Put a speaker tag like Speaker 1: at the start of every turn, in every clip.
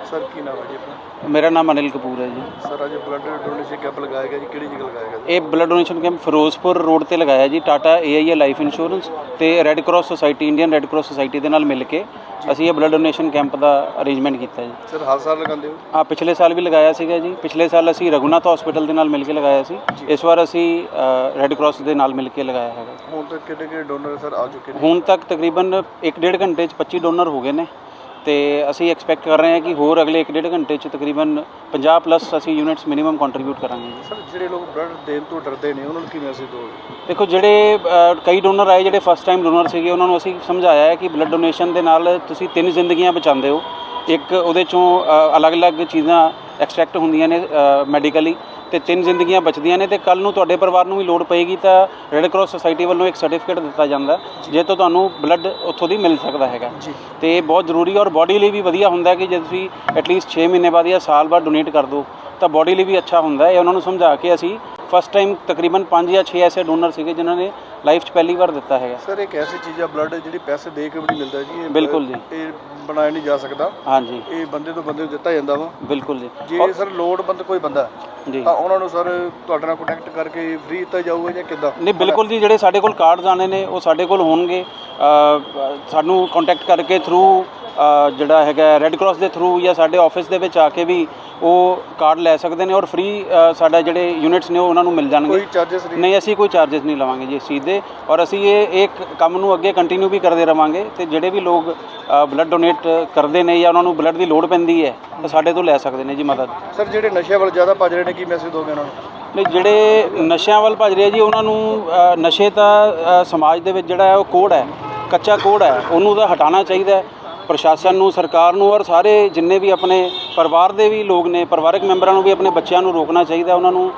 Speaker 1: Sir की नाम है जी अपना?
Speaker 2: मेरा नाम अनिल कपूर है जी।
Speaker 1: सर आज ब्लड डोनेशन कैंप लगाया गया जी, ਕਿਹੜੀ ਜਗ੍ਹਾ लगाया गया?
Speaker 2: ਇਹ blood donation camp Firozpur road ਤੇ ਲਗਾਇਆ ਜੀ। ਟਾਟਾ AIA ਲਾਈਫ ਇੰਸ਼ੋਰੈਂਸ ਤੇ Red Cross Society, Indian Red Cross Society ਦੇ ਨਾਲ ਮਿਲ ਕੇ ਅਸੀਂ ਇਹ ਬਲੱਡ ਡੋਨੇਸ਼ਨ ਕੈਂਪ ਦਾ ਅਰੇਂਜਮੈਂਟ ਕੀਤਾ ਜੀ।
Speaker 1: ਸਰ ਹਰ ਸਾਲ ਲਗਾਉਂਦੇ ਹੋ?
Speaker 2: ਹਾਂ, ਪਿਛਲੇ ਸਾਲ ਵੀ ਲਗਾਇਆ ਸੀਗਾ ਜੀ। ਪਿਛਲੇ ਸਾਲ ਅਸੀਂ ਰਘੁਨਾਥ ਹਸਪੀਟਲ ਦੇ ਨਾਲ ਮਿਲ ਕੇ ਲਗਾਇਆ ਸੀ। ਇਸ ਵਾਰ ਅਸੀਂ ਰੈੱਡ ਕਰਾਸ ਦੇ ਨਾਲ ਮਿਲ ਕੇ ਲਗਾਇਆ ਹੈਗਾ।
Speaker 1: ਹੁਣ ਤੱਕ ਕਿੰਨੇ ਡੋਨਰ ਸਰ ਆ ਚੁੱਕੇ ਨੇ?
Speaker 2: ਹੁਣ ਤੱਕ ਤਕਰੀਬਨ 1-1.5 ਘੰਟੇ 'ਚ 25 ਡੋਨਰ ਹੋ ਗਏ ਨੇ ਤੇ ਅਸੀਂ ਐਕਸਪੈਕਟ ਕਰ ਰਹੇ ਹਾਂ ਕਿ ਹੋਰ ਅਗਲੇ 1-1.5 ਘੰਟੇ 'ਚ ਤਕਰੀਬਨ 50+ ਅਸੀਂ ਯੂਨਿਟਸ ਮਿਨੀਮਮ ਕੰਟਰੀਬਿਊਟ ਕਰਾਂਗੇ ਜੀ।
Speaker 1: ਸਰ ਜਿਹੜੇ ਲੋਕ ਬਲੱਡ ਦੇਣ ਤੋਂ ਡਰਦੇ ਨੇ ਉਹਨਾਂ ਨੂੰ ਕੀ ਮੈਸੇਜ ਦਿਓਗੇ?
Speaker 2: ਦੇਖੋ, ਜਿਹੜੇ ਕਈ ਡੋਨਰ ਆਏ ਜਿਹੜੇ ਫਸਟ ਟਾਈਮ ਡੋਨਰ ਸੀਗੇ, ਉਹਨਾਂ ਨੂੰ ਅਸੀਂ ਸਮਝਾਇਆ ਹੈ ਕਿ ਬਲੱਡ ਡੋਨੇਸ਼ਨ ਦੇ ਨਾਲ ਤੁਸੀਂ 3 ਜ਼ਿੰਦਗੀਆਂ ਬਚਾਉਂਦੇ ਹੋ। ਇੱਕ ਉਹਦੇ 'ਚੋਂ ਅਲੱਗ-ਅਲੱਗ ਚੀਜ਼ਾਂ ਐਕਸਟਰੈਕਟ ਹੁੰਦੀਆਂ ਨੇ ਮੈਡੀਕਲੀ, ਤੇ 3 ਜ਼ਿੰਦਗੀਆਂ ਬਚਦੀਆਂ ਨੇ। ਤੇ ਕੱਲ੍ਹ ਨੂੰ ਤੁਹਾਡੇ ਪਰਿਵਾਰ ਨੂੰ ਵੀ ਲੋੜ ਪਏਗੀ ਤਾਂ ਰੈੱਡ ਕਰਾਸ ਸੁਸਾਇਟੀ ਵੱਲੋਂ ਇੱਕ ਸਰਟੀਫਿਕੇਟ ਦਿੱਤਾ ਜਾਂਦਾ ਜੇ ਤੋਂ ਤੁਹਾਨੂੰ ਬਲੱਡ ਉੱਥੋਂ ਦੀ ਮਿਲ ਸਕਦਾ ਹੈਗਾ ਤੇ ਇਹ ਬਹੁਤ ਜ਼ਰੂਰੀ ਔਰ ਬੋਡੀ ਲਈ ਵੀ ਵਧੀਆ ਹੁੰਦਾ ਕਿ ਜੇ ਤੁਸੀਂ ਐਟਲੀਸਟ 6 ਮਹੀਨੇ ਬਾਅਦ ਜਾਂ ਸਾਲ ਬਾਅਦ ਡੋਨੇਟ ਕਰ ਦਿਓ ਤਾਂ ਬੋਡੀ ਲਈ ਵੀ ਅੱਛਾ ਹੁੰਦਾ ਹੈ। ਉਹਨਾਂ ਨੂੰ ਸਮਝਾ ਕੇ ਅਸੀਂ ਫਸਟ ਟਾਈਮ ਤਕਰੀਬਨ 5 ਜਾਂ 6 ਐਸੇ ਡੋਨਰ ਸੀਗੇ ਜਿਨ੍ਹਾਂ ਨੇ ਲਾਈਫ 'ਚ ਪਹਿਲੀ ਵਾਰ ਦਿੱਤਾ ਹੈਗਾ।
Speaker 1: ਸਰ ਇੱਕ ਐਸੀ ਚੀਜ਼ ਆ ਬਲੱਡ ਜਿਹੜੀ ਪੈਸੇ ਦੇ ਕੇ ਵੀ ਨਹੀਂ ਮਿਲਦਾ ਜੀ।
Speaker 2: ਬਿਲਕੁਲ ਜੀ,
Speaker 1: ਇਹ ਬਣਾਇਆ ਨਹੀਂ ਜਾ ਸਕਦਾ।
Speaker 2: ਹਾਂਜੀ,
Speaker 1: ਇਹ ਬੰਦੇ ਤੋਂ ਬੰਦੇ ਨੂੰ ਦਿੱਤਾ ਜਾਂਦਾ ਵਾ।
Speaker 2: ਬਿਲਕੁਲ ਜੀ।
Speaker 1: ਜੇ ਸਰ ਲੋੜਵੰਦ ਕੋਈ ਬੰਦਾ
Speaker 2: ਜੀ
Speaker 1: ਤਾਂ ਉਹਨਾਂ ਨੂੰ ਸਰ ਤੁਹਾਡੇ ਨਾਲ ਕੰਟੈਕਟ ਕਰਕੇ ਫ੍ਰੀ ਦਿੱਤਾ ਜਾਊਗਾ ਜਾਂ ਕਿੱਦਾਂ?
Speaker 2: ਨਹੀਂ, ਬਿਲਕੁਲ ਜੀ। ਜਿਹੜੇ ਸਾਡੇ ਕੋਲ ਕਾਰਡਸ ਆਣੇ ਨੇ ਉਹ ਸਾਡੇ ਕੋਲ ਹੋਣਗੇ। ਸਾਨੂੰ ਕੰਟੈਕਟ ਕਰਕੇ ਥਰੂ ਜਿਹੜਾ ਹੈਗਾ ਰੈੱਡ ਕਰਾਸ ਦੇ ਥਰੂ ਜਾਂ ਸਾਡੇ ਆਫਿਸ ਦੇ ਵਿੱਚ ਆ ਕੇ ਵੀ ਉਹ ਕਾਰਡ ਲੈ ਸਕਦੇ ਨੇ ਔਰ ਫ੍ਰੀ ਸਾਡਾ ਜਿਹੜੇ ਯੂਨਿਟਸ ਨੇ ਉਹ ਉਹਨਾਂ ਨੂੰ ਮਿਲ ਜਾਣਗੇ।
Speaker 1: ਕੋਈ ਚਾਰजेस
Speaker 2: ਨਹੀਂ, ਅਸੀਂ ਕੋਈ ਚਾਰजेस ਨਹੀਂ ਲਵਾਂਗੇ ਜੀ ਇਸ ਚੀਜ਼ ਦੇ ਔਰ ਅਸੀਂ ਇਹ ਕੰਮ ਨੂੰ ਅੱਗੇ ਕੰਟੀਨਿਊ ਵੀ ਕਰਦੇ ਰਵਾਂਗੇ। ਤੇ ਜਿਹੜੇ ਵੀ ਲੋਕ ਬਲੱਡ ਡੋਨੇਟ ਕਰਦੇ ਨੇ ਜਾਂ ਉਹਨਾਂ ਨੂੰ ਬਲੱਡ ਦੀ ਲੋੜ ਪੈਂਦੀ ਹੈ ਤਾਂ ਸਾਡੇ ਤੋਂ ਲੈ ਸਕਦੇ ਨੇ ਜੀ ਮਦਦ।
Speaker 1: ਸਰ ਜਿਹੜੇ ਨਸ਼ਿਆਂ ਵੱਲ ਜ਼ਿਆਦਾ ਭੱਜ ਰਹੇ ਨੇ ਕੀ ਮੈਸੇਜ ਦੋਗੇ ਉਹਨਾਂ ਨੂੰ?
Speaker 2: ਨਹੀਂ, ਜਿਹੜੇ ਨਸ਼ਿਆਂ ਵੱਲ ਭੱਜ ਰਹੇ ਜੀ ਉਹਨਾਂ ਨੂੰ ਨਸ਼ੇ ਤਾਂ ਸਮਾਜ ਦੇ ਵਿੱਚ ਜਿਹੜਾ ਹੈ ਉਹ ਕੋੜ ਹੈ, ਕੱਚਾ ਕੋੜ ਹੈ, ਉਹਨੂੰ ਤਾਂ ਹਟਾਉਣਾ ਚਾਹੀਦਾ ਹੈ। ਪ੍ਰਸ਼ਾਸਨ ਨੂੰ, ਸਰਕਾਰ ਨੂੰ ਔਰ ਸਾਰੇ ਜਿੰਨੇ ਵੀ ਆਪਣੇ ਪਰਿਵਾਰ ਦੇ ਵੀ ਲੋਕ ਨੇ, ਪਰਿਵਾਰਕ ਮੈਂਬਰਾਂ ਨੂੰ ਵੀ ਆਪਣੇ ਬੱਚਿਆਂ ਨੂੰ ਰੋਕਣਾ ਚਾਹੀਦਾ। ਉਹਨਾਂ ਨੂੰ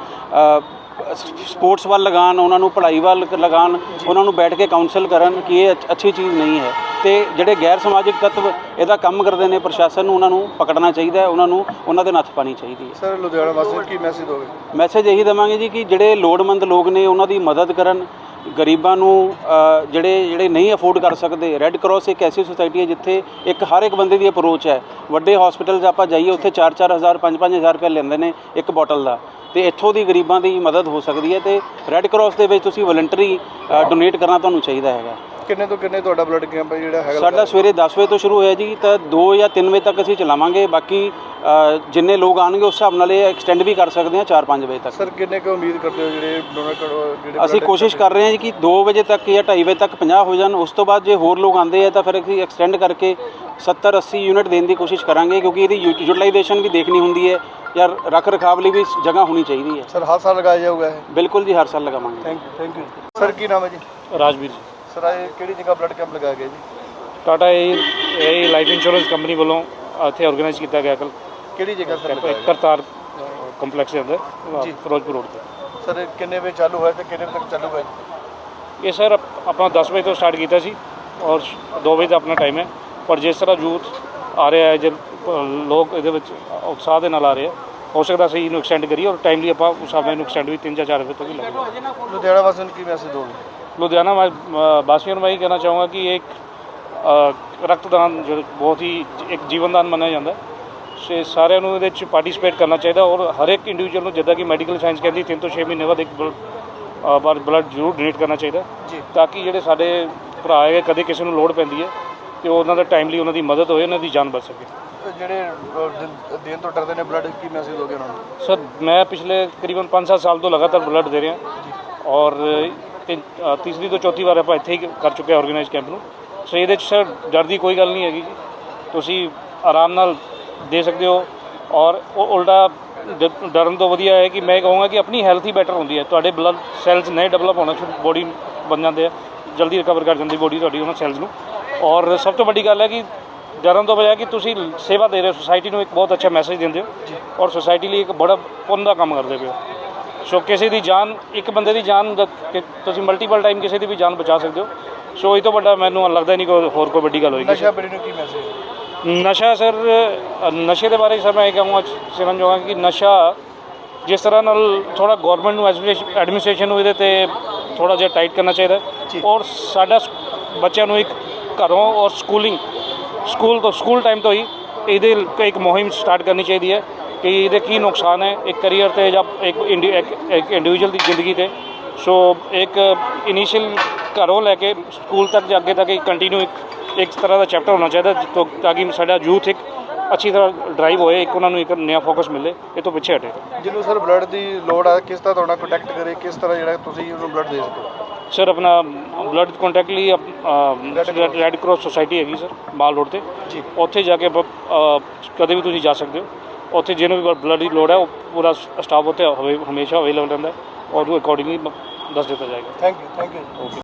Speaker 2: ਸਪੋਰਟਸ ਵੱਲ ਲਗਾਉਣ, ਉਹਨਾਂ ਨੂੰ ਪੜ੍ਹਾਈ ਵੱਲ ਲਗਾਉਣ, ਉਹਨਾਂ ਨੂੰ ਬੈਠ ਕੇ ਕਾਊਂਸਲ ਕਰਨ ਕਿ ਇਹ ਅੱਛੀ ਚੀਜ਼ ਨਹੀਂ ਹੈ। ਤੇ ਜਿਹੜੇ ਗੈਰ ਸਮਾਜਿਕ ਤੱਤਵ ਇਹਦਾ ਕੰਮ ਕਰਦੇ ਨੇ, ਪ੍ਰਸ਼ਾਸਨ ਨੂੰ ਉਹਨਾਂ ਨੂੰ ਪਕੜਨਾ ਚਾਹੀਦਾ ਹੈ, ਉਹਨਾਂ ਦੇ ਨੱਥ ਪਾਉਣੀ ਚਾਹੀਦੀ ਹੈ।
Speaker 1: ਸਰ ਲੁਧਿਆਣਾ ਵਾਸੀਆਂ ਨੂੰ ਕੀ ਮੈਸੇਜ ਦੋਗੇ?
Speaker 2: ਮੈਸੇਜ ਇਹੀ ਦੇਵਾਂਗੇ ਜੀ ਕਿ ਜਿਹੜੇ ਲੋੜਵੰਦ ਲੋਕ ਨੇ ਉਹਨਾਂ ਦੀ ਮਦਦ ਕਰਨ। ਗਰੀਬਾਂ ਨੂੰ ਜਿਹੜੇ ਨਹੀਂ ਅਫੋਰਡ ਕਰ ਸਕਦੇ, ਰੈੱਡ ਕਰਾਸ ਇੱਕ ਐਸੀ ਸੁਸਾਇਟੀ ਹੈ ਜਿੱਥੇ ਹਰ ਇੱਕ ਬੰਦੇ ਦੀ ਅਪਰੋਚ ਹੈ। ਵੱਡੇ ਹਸਪੀਟਲ 'ਚ ਆਪਾਂ ਜਾਈਏ ਉੱਥੇ 4-4 ਹਜ਼ਾਰ 5-5 ਹਜ਼ਾਰ ਰੁਪਏ ਲੈਂਦੇ ਨੇ ਇੱਕ ਬੋਟਲ ਦਾ, ਤੇ ਇੱਥੋਂ ਦੀ ਗਰੀਬਾਂ ਦੀ ਮਦਦ ਹੋ ਸਕਦੀ ਹੈ। ਤੇ ਰੈੱਡ ਕਰਾਸ ਦੇ ਵਿੱਚ ਤੁਸੀਂ ਵਲੰਟਰੀ ਡੋਨੇਟ ਕਰਨਾ ਤੁਹਾਨੂੰ ਚਾਹੀਦਾ ਹੈਗਾ।
Speaker 1: ਕਿੰਨੇ ਤੋਂ ਕਿੰਨੇ ਤੁਹਾਡਾ ਬਲੱਡ ਕੈਂਪ ਜਿਹੜਾ ਹੈਗਾ?
Speaker 2: ਸਾਡਾ ਸਵੇਰੇ 10 ਵਜੇ ਤੋਂ ਸ਼ੁਰੂ ਹੋਇਆ ਜੀ ਤਾਂ 2 ਜਾਂ 3 ਵਜੇ ਤੱਕ ਅਸੀਂ ਚਲਾਵਾਂਗੇ। ਬਾਕੀ ਜਿੰਨੇ ਲੋਕ ਆਉਣਗੇ ਉਸ ਹਿਸਾਬ ਨਾਲ ਇਹ ਐਕਸਟੈਂਡ ਵੀ ਕਰ ਸਕਦੇ ਹਾਂ 4-5 ਵਜੇ ਤੱਕ।
Speaker 1: ਸਰ ਕਿੰਨੇ ਕੁ ਉਮੀਦ ਕਰਦੇ ਹੋ ਜਿਹੜੇ ਡੋਨਰ ਜਿਹੜੇ?
Speaker 2: ਅਸੀਂ ਕੋਸ਼ਿਸ਼ ਕਰ ਰਹੇ ਹਾਂ ਜੀ ਕਿ 2 ਵਜੇ ਤੱਕ ਜਾਂ 2:30 ਵਜੇ ਤੱਕ 50 ਹੋ ਜਾਣ। ਉਸ ਤੋਂ ਬਾਅਦ ਜੇ ਹੋਰ ਲੋਕ ਆਉਂਦੇ ਆ ਤਾਂ ਫਿਰ ਅਸੀਂ ਐਕਸਟੈਂਡ ਕਰਕੇ 70-80 ਯੂਨਿਟ ਦੇਣ ਦੀ ਕੋਸ਼ਿਸ਼ ਕਰਾਂਗੇ ਕਿਉਂਕਿ ਇਹਦੀ ਯੂਟੀਲਾਈਜੇਸ਼ਨ ਵੀ ਦੇਖਣੀ ਹੁੰਦੀ ਹੈ ਜਾਂ ਰੱਖ ਰਖਾਵ ਲਈ ਵੀ ਜਗ੍ਹਾ ਹੋਣੀ ਚਾਹੀਦੀ ਹੈ।
Speaker 1: ਸਰ ਹਰ ਸਾਲ ਲਗਾਇਆ ਜਾਊਗਾ ਇਹ?
Speaker 2: ਬਿਲਕੁਲ ਜੀ, ਹਰ ਸਾਲ ਲਗਾਵਾਂਗੇ।
Speaker 1: Thank you. ਸਰ ਕੀ ਨਾਮ ਹੈ ਜੀ?
Speaker 3: ਰਾਜਵੀਰ ਜੀ।
Speaker 1: ਸਰ ਇਹ ਕਿਹੜੀ ਜਗ੍ਹਾ ਬਲੱਡ ਕੈਂਪ ਲਗਾਇਆ ਗਿਆ ਜੀ?
Speaker 3: ਟਾਟਾ ਇਹ ਲਾਈਫ ਇੰਸ਼ੋਰੈਂਸ ਕੰਪਨੀ ਵੱਲੋਂ ਇੱਥੇ ਆਰਗੇਨਾਈਜ਼ ਕੀਤਾ ਗਿਆ। ਕੱਲ੍ਹ
Speaker 1: ਕਿਹੜੀ ਜਗ੍ਹਾ ਸਰ ਲਗਾਇਆ ਗਿਆ?
Speaker 3: ਕਰਤਾਰ ਕੰਪਲੈਕਸ ਦੇ ਅੰਦਰ ਫਿਰੋਜ਼ਪੁਰ ਰੋਡ 'ਤੇ।
Speaker 1: ਸਰ ਕਿੰਨੇ ਵਜੇ ਚਾਲੂ ਹੋਇਆ ਤੇ ਕਿੰਨੇ ਵਜੇ ਤੱਕ ਚੱਲੂਗਾ?
Speaker 3: ਇਹ ਸਰ ਆਪਾਂ 10 ਵਜੇ ਤੋਂ ਸਟਾਰਟ ਕੀਤਾ ਸੀ ਔਰ 2 ਵਜੇ ਦਾ ਆਪਣਾ ਟਾਈਮ ਹੈ। ਪਰ ਜਿਸ ਤਰ੍ਹਾਂ ਯੂਥ ਆ ਰਿਹਾ ਹੈ, ਜੇ ਲੋਕ ਇਹਦੇ ਵਿੱਚ ਉਤਸ਼ਾਹ ਦੇ ਨਾਲ ਆ ਰਹੇ ਆ, ਹੋ ਸਕਦਾ ਅਸੀਂ ਇਹਨੂੰ ਐਕਸਟੈਂਡ ਕਰੀਏ ਔਰ ਟਾਈਮਲੀ ਆਪਾਂ ਉਸ ਹਿਸਾਬ ਨਾਲ ਇਹਨੂੰ ਐਕਸਟੈਂਡ ਵੀ 3 ਜਾਂ 4 ਵਜੇ ਤੱਕ ਵੀ ਲਾਂਗੇ।
Speaker 1: ਲੁਧਿਆਣਾ ਵਾਸੀਆਂ ਨੂੰ ਕੀ ਮੈਸੇਜ ਦੋਗੇ?
Speaker 3: ਲੁਧਿਆਣਾ ਵਾਸੀਆਂ ਨੂੰ ਮੈਂ ਇਹ ਕਹਿਣਾ ਚਾਹੂੰਗਾ ਕਿ ਇੱਕ ਰਕਤਦਾਨ ਜੋ ਬਹੁਤ ਹੀ ਇੱਕ ਜੀਵਨਦਾਨ ਮੰਨਿਆ ਜਾਂਦਾ ਹੈ। ਸਾਰਿਆਂ ਨੂੰ ਇਹਦੇ 'ਚ ਪਾਰਟੀਸਪੇਟ ਕਰਨਾ ਚਾਹੀਦਾ ਔਰ ਹਰ ਇੱਕ ਇੰਡੀਵਿਜੂਅਲ ਨੂੰ, ਜਿੱਦਾਂ ਕਿ ਮੈਡੀਕਲ ਸਾਇੰਸ ਕਹਿੰਦੀ 3 ਤੋਂ 6 ਮਹੀਨੇ ਬਾਅਦ ਇੱਕ ਬਲੱਡ ਜ਼ਰੂਰ ਡੋਨੇਟ ਕਰਨਾ ਚਾਹੀਦਾ ਤਾਂ ਕਿ ਜਿਹੜੇ ਸਾਡੇ ਭਰਾ ਹੈਗੇ ਕਦੇ ਕਿਸੇ ਨੂੰ ਲੋੜ ਪੈਂਦੀ ਹੈ ਤੇ ਉਹਨਾਂ ਦਾ ਟਾਈਮਲੀ ਉਹਨਾਂ ਦੀ ਮਦਦ ਹੋਏ, ਉਹਨਾਂ ਦੀ ਜਾਨ ਬਚ ਸਕੇ।
Speaker 1: ਜਿਹੜੇ ਦੇਣ ਤੋਂ ਡਰਦੇ ਨੇ ਬਲੱਡ, ਕੀ ਮੈਸੇਜ ਦੋਗੇ ਉਹਨਾਂ ਨੂੰ?
Speaker 3: ਸਰ ਮੈਂ ਪਿਛਲੇ ਤਕਰੀਬਨ 5-7 ਸਾਲ ਤੋਂ ਲਗਾਤਾਰ ਬਲੱਡ ਦੇ ਰਿਹਾ ਔਰ ਤੀਸਰੀ ਤੋਂ ਚੌਥੀ ਵਾਰ ਆਪਾਂ ਇੱਥੇ ਹੀ ਕਰ ਚੁੱਕੇ ਹਾਂ ਆਰਗੇਨਾਈਜ਼ ਕੈਂਪ ਨੂੰ। ਸੋ ਇਹਦੇ 'ਚ ਸਰ ਡਰ ਦੀ ਕੋਈ ਗੱਲ ਨਹੀਂ ਹੈਗੀ ਜੀ। ਤੁਸੀਂ ਆਰਾਮ ਨਾਲ ਦੇ ਸਕਦੇ ਹੋ ਔਰ ਉਹ ਉਲਟਾ ਡਰਨ ਤੋਂ ਵਧੀਆ ਹੈ ਕਿ ਮੈਂ ਕਹੂੰਗਾ ਕਿ ਆਪਣੀ ਹੈਲਥ ਹੀ ਬੈਟਰ ਹੁੰਦੀ ਹੈ। ਤੁਹਾਡੇ ਬਲੱਡ ਸੈਲਸ ਨਹੀਂ ਡਿਵੈਲਪ ਹੋਣਾ ਸ਼ੁਰੂ, ਬੋਡੀ ਬਣ ਜਾਂਦੇ ਆ, ਜਲਦੀ ਰਿਕਵਰ ਕਰ ਜਾਂਦੀ ਬੋਡੀ ਤੁਹਾਡੀ ਉਹਨਾਂ ਸੈਲਸ ਨੂੰ। ਔਰ ਸਭ ਤੋਂ ਵੱਡੀ ਗੱਲ ਹੈ ਕਿ ਡਰਨ ਤੋਂ ਬਜਾਏ ਕਿ ਤੁਸੀਂ ਸੇਵਾ ਦੇ ਰਹੇ ਹੋ, ਸੋਸਾਇਟੀ ਨੂੰ ਇੱਕ ਬਹੁਤ ਅੱਛਾ ਮੈਸੇਜ ਦਿੰਦੇ ਹੋ ਔਰ ਸੋਸਾਇਟੀ ਲਈ ਇੱਕ ਬੜਾ ਪੁੰਨ ਦਾ ਕੰਮ ਕਰਦੇ ਪਏ ਹੋ। ਸੋ ਕਿਸੇ ਦੀ ਜਾਨ, ਇੱਕ ਬੰਦੇ ਦੀ ਜਾਨ ਤੁਸੀਂ ਮਲਟੀਪਲ ਟਾਈਮ ਕਿਸੇ ਦੀ ਵੀ ਜਾਨ ਬਚਾ ਸਕਦੇ ਹੋ। ਸੋ ਇਹ ਤੋਂ ਵੱਡਾ ਮੈਨੂੰ ਲੱਗਦਾ ਨਹੀਂ ਕੋਈ ਹੋਰ ਕੋਈ ਵੱਡੀ ਗੱਲ ਹੋਏਗੀ।
Speaker 1: ਨਸ਼ਾ ਪੀੜੀ ਨੂੰ ਕੀ ਮੈਸੇਜ?
Speaker 3: ਨਸ਼ਾ ਸਰ, ਨਸ਼ੇ ਦੇ ਬਾਰੇ ਸਰ ਮੈਂ ਇਹ ਕਹਾਂਗਾ ਸਮਝ ਜਾਵਾਂਗਾ ਕਿ ਨਸ਼ਾ ਜਿਸ ਤਰ੍ਹਾਂ ਨਾਲ ਥੋੜ੍ਹਾ ਗੌਰਮੈਂਟ ਨੂੰ ਐਡਮਿਨਿਸਟ੍ਰੇਸ਼ਨ ਨੂੰ ਇਹਦੇ 'ਤੇ ਥੋੜ੍ਹਾ ਜਿਹਾ ਟਾਈਟ ਕਰਨਾ ਚਾਹੀਦਾ ਔਰ ਸਾਡਾ ਬੱਚਿਆਂ ਨੂੰ ਇੱਕ ਘਰੋਂ ਔਰ ਸਕੂਲ ਟਾਈਮ ਤੋਂ ਹੀ ਇਹਦੇ ਇੱਕ ਮੁਹਿੰਮ ਸਟਾਰਟ ਕਰਨੀ ਚਾਹੀਦੀ ਹੈ ਕਿ ਇਹਦੇ ਕੀ ਨੁਕਸਾਨ ਹੈ ਇੱਕ ਕਰੀਅਰ ਤੇ ਜਾਂ ਇੱਕ ਇੰਡੀਵਿਜੂਅਲ ਦੀ ਜ਼ਿੰਦਗੀ ਤੇ। ਸੋ ਇੱਕ ਇਨੀਸ਼ੀਅਲ ਘਰੋਂ ਲੈ ਕੇ ਸਕੂਲ ਤੱਕ ਜਾਂ ਅੱਗੇ ਤੱਕ ਕੰਟੀਨਿਊ ਇੱਕ ਤਰ੍ਹਾਂ ਦਾ ਚੈਪਟਰ ਹੋਣਾ ਚਾਹੀਦਾ ਤਾਂ ਕਿ ਸਾਡਾ ਯੂਥ ਇੱਕ ਅੱਛੀ ਤਰ੍ਹਾਂ ਡਰਾਈਵ ਹੋਏ, ਇੱਕ ਉਹਨਾਂ ਨੂੰ ਇੱਕ ਨਵਾਂ ਫੋਕਸ ਮਿਲੇ, ਇਹ ਤੋਂ ਪਿੱਛੇ ਹਟੇ।
Speaker 1: ਜਿਹਨੂੰ ਸਰ ਬਲੱਡ ਦੀ ਲੋੜ ਆ ਕਿਸ ਤਰ੍ਹਾਂ ਤੁਹਾਡਾ ਕੰਟੈਕਟ ਕਰੇ, ਕਿਸ ਤਰ੍ਹਾਂ ਜਿਹੜਾ ਤੁਸੀਂ ਉਹਨੂੰ ਬਲੱਡ ਦੇ ਸਕੋ?
Speaker 3: ਸਰ ਆਪਣਾ ਬਲੱਡ ਕੰਟੈਕਟ ਲਈ ਰੈੱਡ ਕ੍ਰਾਸ ਸੁਸਾਇਟੀ ਹੈਗੀ ਸਰ ਮਾਲ ਰੋਡ 'ਤੇ
Speaker 1: ਜੀ,
Speaker 3: ਉੱਥੇ ਜਾ ਕੇ ਕਦੇ ਵੀ ਤੁਸੀਂ ਜਾ ਸਕਦੇ ਹੋ। ਉੱਥੇ ਜਿਹਨੂੰ ਵੀ ਬਲੱਡ ਦੀ ਲੋੜ ਹੈ ਉਹ ਪੂਰਾ ਸਟਾਫ ਉੱਥੇ ਹਮੇਸ਼ਾ ਅਵੇਲੇਬਲ ਰਹਿੰਦਾ ਹੈ ਔਰ ਉਹ ਅਕੋਰਡਿੰਗਲੀ ਦੱਸ ਦਿੱਤਾ ਜਾਏਗਾ।
Speaker 1: Thank you.